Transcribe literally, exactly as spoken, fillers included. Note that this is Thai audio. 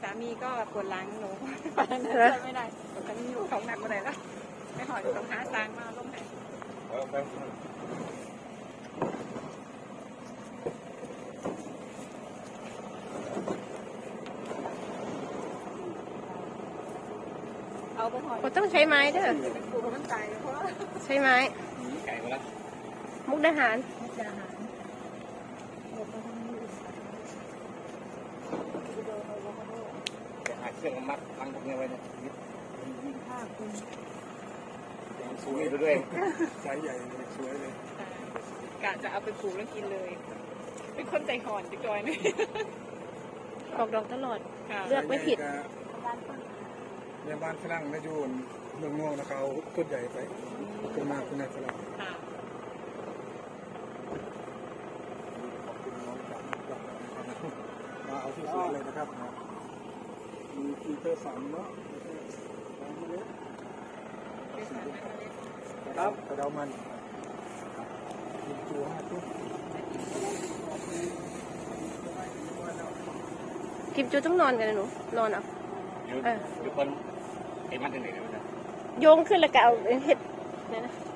ามีก็ปวดหลังหนูไปนั่นช่วยไม่ได้ตอนนี้อยู่ของหนักมาไหนแล้วไม่หอยต้องหาซางมาลงไหนเอาไปหอยก็ต้องใช้ไม้เด้อปลูกมันตายเพราะว่าใช้ไม้ไก่มาแล้วมุกดาหารมุกดาหารจะหาเครื่องมัดพังพวกนี้ไว้เนี่ยยึดผ้าคลุมสูงไปด้วยไซส์ใหญ่เลยสวยเลยกะจะเอาไปปลูกแล้วกินเลย เป็นคนใจห่อนจังจอยนี่ออกดอกตลอดค่ะเลือกไม่ผิดในบ้านฝรั่งนะยูนเมืองนอกนะเขาต้นใหญ่ไปต้นมากต้นใหญ่ฝรั่งค่ะขอบคุณน้องจากจากนะครับมาเอาที่สวยเลยนะครับมีฟีเตอร์สามเนาะสามเมล็ดครับกระเดามันกินตัวห้าตุ้มกิมจูต้องนอนกันนะหนูนอนเอาอยู่อยู่คนไอ้มัดหนึ่งเลยนะโยงขึ้นแล้วก็เอาเห็ดเนี่ยนะ